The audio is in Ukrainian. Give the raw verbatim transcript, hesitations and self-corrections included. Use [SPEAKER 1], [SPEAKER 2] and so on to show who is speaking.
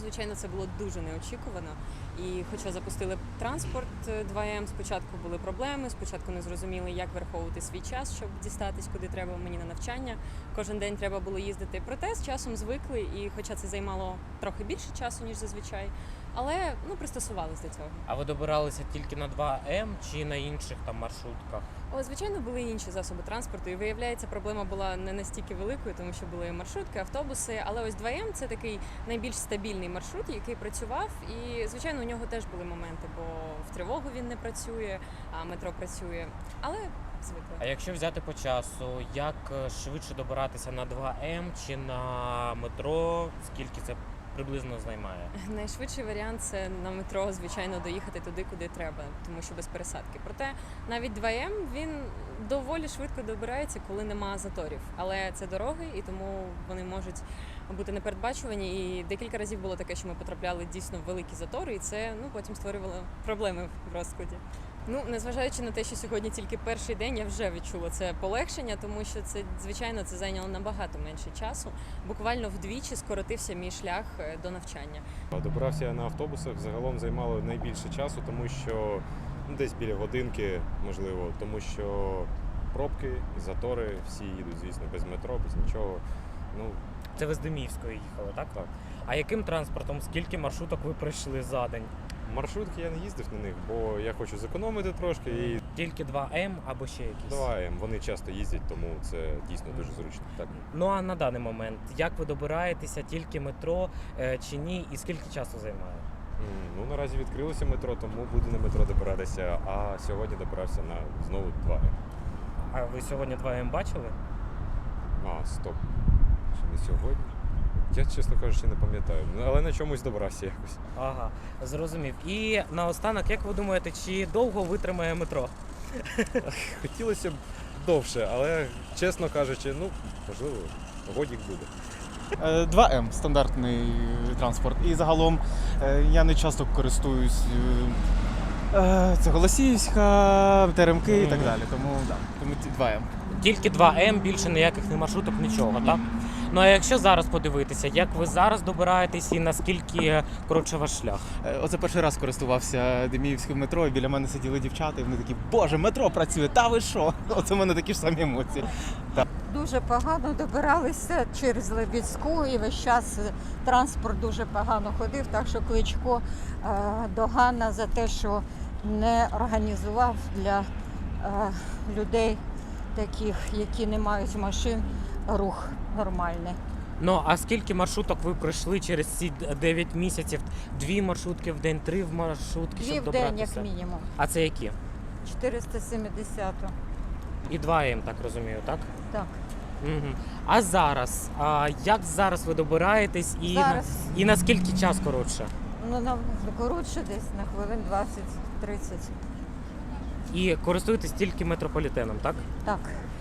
[SPEAKER 1] звичайно, це було дуже неочікувано. І хоча запустили транспорт два ем, спочатку були проблеми, спочатку не зрозуміли, як враховувати свій час, щоб дістатись, куди треба мені на навчання. Кожен день треба було їздити. Проте з часом звикли, і хоча це займало трохи більше часу, ніж зазвичай, але ну, пристосувалися до цього.
[SPEAKER 2] А ви добиралися тільки на два ем чи на інших там маршрутках?
[SPEAKER 1] О, звичайно, були інші засоби транспорту, і виявляється, проблема була не настільки великою, тому що були маршрутки, автобуси, але ось два ем – це такий найбільш стабільний маршрут, який працював, і, звичайно, у нього теж були моменти, бо в тривогу він не працює, а метро працює, але звикли.
[SPEAKER 2] А якщо взяти по часу, як швидше добиратися на два ем чи на метро, скільки це приблизно займає?
[SPEAKER 1] Найшвидший варіант – це на метро, звичайно, доїхати туди, куди треба, тому що без пересадки. Проте навіть два ем, він доволі швидко добирається, коли нема заторів. Але це дороги, і тому вони можуть бути непередбачувані. І декілька разів було таке, що ми потрапляли дійсно в великі затори, і це ну, потім створювало проблеми в розкладі. Ну, незважаючи на те, що сьогодні тільки перший день, я вже відчула це полегшення, тому що це, звичайно, це зайняло набагато менше часу. Буквально вдвічі скоротився мій шлях до навчання.
[SPEAKER 3] Добирався я на автобусах, загалом займало найбільше часу, тому що ну, десь біля годинки, можливо, тому що пробки, затори, всі їдуть, звісно, без метро, без нічого. Ну,
[SPEAKER 2] Це ви з Деміївської їхали, так?
[SPEAKER 3] так.
[SPEAKER 2] А яким транспортом, скільки маршруток ви пройшли за день?
[SPEAKER 3] Маршрутки я не їздив на них, бо я хочу зекономити трошки і
[SPEAKER 2] Тільки два ем або ще якісь?
[SPEAKER 3] два ем. Вони часто їздять, тому це дійсно дуже зручно. Так.
[SPEAKER 2] Ну а на даний момент, як ви добираєтеся, тільки метро е, чи ні, і скільки часу займає?
[SPEAKER 3] М, Ну, наразі відкрилося метро, тому буду на метро добиратися, а сьогодні добирався на знову два ем.
[SPEAKER 2] А ви сьогодні два ем бачили?
[SPEAKER 3] А, стоп. Чи не сьогодні? Я, чесно кажучи, не пам'ятаю, Ну, але на чомусь добрався якось.
[SPEAKER 2] Ага, зрозумів. І наостанок, як ви думаєте, чи довго витримає метро?
[SPEAKER 3] Хотілося б довше, але, чесно кажучи, ну, можливо, годік буде.
[SPEAKER 4] Е, два ем – стандартний транспорт. І загалом е, я не часто користуюсь е, е, це Голосіївська, Теремки і так далі. Тому, да, тому ці два ем.
[SPEAKER 2] Тільки два ем, більше ніяких не маршруток, нічого, так? Ну а якщо зараз подивитися, як ви зараз добираєтесь і наскільки коротше ваш шлях?
[SPEAKER 4] Е, Оце перший раз користувався Деміївським метро, і біля мене сиділи дівчата, і вони такі: "Боже, метро працює, та ви що?" Оце в мене такі ж самі емоції.
[SPEAKER 5] Дуже погано добиралися через Лебідську, і весь час транспорт дуже погано ходив, так що Кличко е, догана за те, що не організував для е, людей таких, які не мають машин, рух нормальний.
[SPEAKER 2] Ну а скільки маршруток ви пройшли через ці дев'ять місяців? Дві маршрутки в день, три маршрутки,
[SPEAKER 5] Дві
[SPEAKER 2] щоб
[SPEAKER 5] в день,
[SPEAKER 2] добратися?
[SPEAKER 5] як мінімум.
[SPEAKER 2] А це які?
[SPEAKER 5] чотириста сімдесят.
[SPEAKER 2] І два ем, так розумію, так?
[SPEAKER 5] Так.
[SPEAKER 2] Угу. А зараз? А як зараз ви добираєтесь і,
[SPEAKER 5] Зараз.
[SPEAKER 2] і наскільки час коротше?
[SPEAKER 5] Ну, на коротше десь на хвилин двадцять-тридцять.
[SPEAKER 2] І користуєтесь тільки метрополітеном, так?
[SPEAKER 5] Так.